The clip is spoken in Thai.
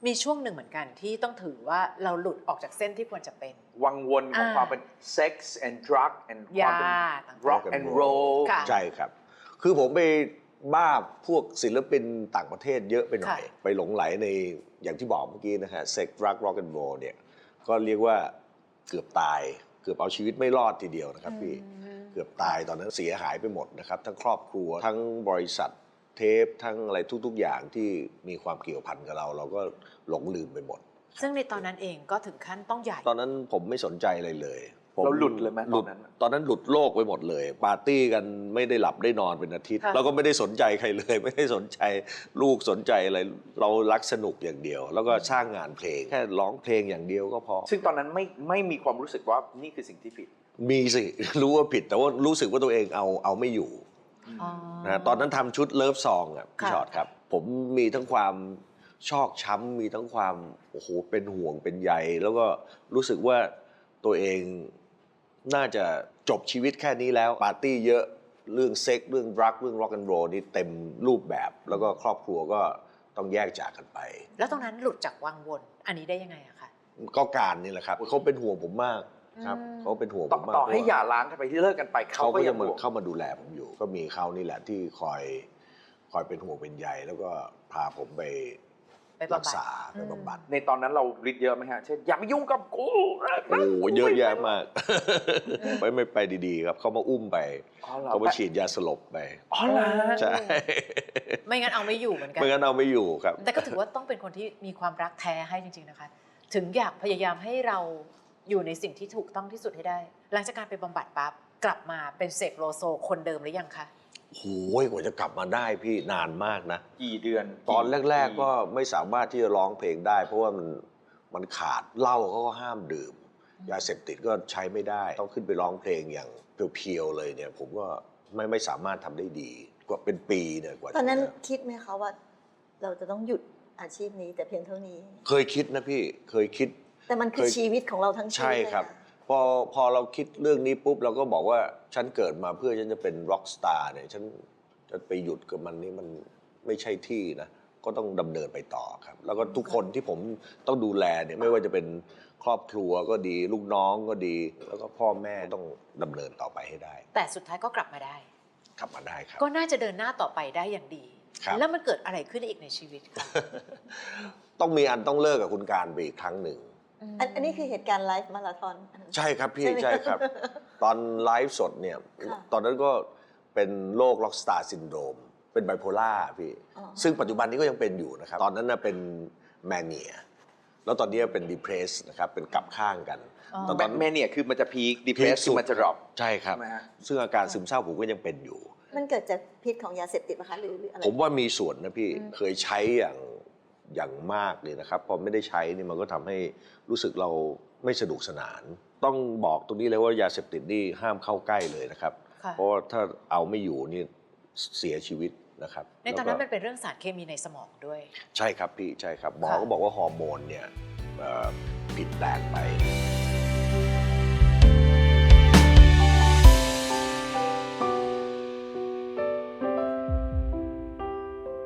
มีช่วงหนึ่งเหมือนกันที่ต้องถือว่าเราหลุดออกจากเส้นที่ควรจะเป็นวังวนของความเป็น sex and drug and ความเป็น rock and roll ใช่ครับคือผมไปบ้าพวกศิลปินต่างประเทศเยอะไปหน่อยไปหลงไหลในอย่างที่บอกเมื่อกี้นะฮะ sex drug rock and roll เนี่ยก็เรียกว่าเกือบตายเกือบเอาชีวิตไม่รอดทีเดียวนะครับพี่เกือบตายตอนนั้นเสียหายไปหมดนะครับทั้งครอบครัวทั้งบริษัทเทปทั้งอะไรทุกๆอย่างที่มีความเกี่ยวพันกับเราก็หลงลืมไปหมดซึ่งในตอนนั้นเองก็ถึงขั้นต้องใหญ่ตอนนั้นผมไม่สนใจอะไรเลยเราหลุดเลยไหมตอนนั้นหลุดโลกไปหมดเลยปาร์ตี้กันไม่ได้หลับได้นอนเป็นอาทิตย์เราก็ไม่ได้สนใจใครเลยไม่ได้สนใจลูกสนใจอะไรเรารักสนุกอย่างเดียวแล้วก็สร้างงานเพลงแค่ร้องเพลงอย่างเดียวก็พอซึ่งตอนนั้นไม่มีความรู้สึกว่านี่คือสิ่งที่ผิดมีสิรู้ว่าผิดแต่ว่ารู้สึกว่าตัวเองเอาไม่อยู่นะตอนนั้นทำชุดเลิฟซองอ่ะพี่ชอตครับผมมีทั้งความชอกช้ำมีทั้งความโอ้โหเป็นห่วงเป็นใยแล้วก็รู้สึกว่าตัวเองน่าจะจบชีวิตแค่นี้แล้วปาร์ตี้เยอะเรื่องเซ็กเรื่องดรักเรื่องร็อกแอนด์โรลนี่เต็มรูปแบบแล้วก็ครอบครัวก็ต้องแยกจากกันไปแล้วตรงนั้นหลุดจากวังวนอันนี้ได้ยังไงอะคะก็การนี่แหละครับเขาเป็นห่วงผมมากครับเขาเป็นห่วงผมมากต่อให้หย่าร้างกันไปที่เลิกกันไปเขาก็ยังเข้ามาดูแลผมอยู่ก็มีเขานี่แหละที่คอยเป็นห่วงเป็นใยแล้วก็พาผมไปรักษาไปบำบัดในตอนนั้นเราฤทธิ์เยอะไหมฮะเช่นอย่ามายุ่งกับกูโอ้เยอะแยะมากไม่ไปดีๆครับเขามาอุ้มไปเขามาฉีดยาสลบไปอ๋อเหรอใช่ไม่งั้นเอาไม่อยู่เหมือนกันไม่งั้นเอาไม่อยู่ครับแต่ก็ถือว่าต้องเป็นคนที่มีความรักแท้ให้จริงๆนะคะถึงอยากพยายามให้เราอยู่ในสิ่งที่ถูกต้องที่สุดให้ได้หลังจากการไปบำบัดปั๊บกลับมาเป็นเสกโลโซคนเดิมหรือยังคะโอ้ยกว่าจะกลับมาได้พี่นานมากนะกี่เดือนตอนแรกๆก็ไม่สามารถที่จะร้องเพลงได้เพราะว่ามันขาดเหล้าเขาก็ห้ามดื่มยาเสพติดก็ใช้ไม่ได้ต้องขึ้นไปร้องเพลงอย่างเพียวๆเลยเนี่ยผมก็ไม่สามารถทำได้ดีกว่าเป็นปีเนี่ยกว่าตอนนั้นคิดไหมคะว่าเราจะต้องหยุดอาชีพนี้แต่เพียงเท่านี้เคยคิดนะพี่เคยคิดแต่มันคือชีวิตของเราทั้งชีวิตใช่ครับพอเราคิดเรื่องนี้ปุ๊บเราก็บอกว่าฉันเกิดมาเพื่อฉันจะเป็นร็อกสตาร์เนี่ยฉันจะไปหยุดกับมันนี่มันไม่ใช่ที่นะก็ต้องดำเนินไปต่อครับแล้วก็ทุกคนที่ผมต้องดูแลเนี่ยไม่ว่าจะเป็นครอบครัวก็ดีลูกน้องก็ดีแล้วก็พ่อแม่ต้องดำเนินต่อไปให้ได้แต่สุดท้ายก็กลับมาได้ครับก็น่าจะเดินหน้าต่อไปได้อย่างดีแล้วมันเกิดอะไรขึ้นอีกในชีวิตคะต้องมีอันต้องเลิกกับคุณการไปอีกครั้งหนึ่งอันนี้คือเหตุการณ์ไลฟ์มาราธอนใช่ครับพี่ใช่ครับตอนไลฟ์สดเนี่ยตอนนั้นก็เป็นโรคล็อกสตาร์ซินโดรมเป็นไบโพล่าพี่ซึ่งปัจจุบันนี้ก็ยังเป็นอยู่นะครับตอนนั้นเป็นแมเนียแล้วตอนนี้เป็นดิเพรสนะครับเป็นกลับข้างกันตอนแมเนียคือมันจะพีคดิเพรสคือมันจะดรอปใช่ครับซึ่งอาการซึมเศร้าผมก็ยังเป็นอยู่มันเกิดจากพิษของยาเสพติดไหมคะหรืออะไรผมว่ามีส่วนนะพี่เคยใช้อย่างมากเลยนะครับพอไม่ได้ใช้นี่มันก็ทำให้รู้สึกเราไม่สนุกสนานต้องบอกตรงนี้เลยว่ายาเสพติดนี่ห้ามเข้าใกล้เลยนะครับเพราะถ้าเอาไม่อยู่นี่เสียชีวิตนะครับในตอนนั้นมันเป็นเรื่องสารเคมีในสมองด้วยใช่ครับพี่ใช่ครับหมอก็บอกว่าฮอร์โมนเนี่ยผิดแปลกไป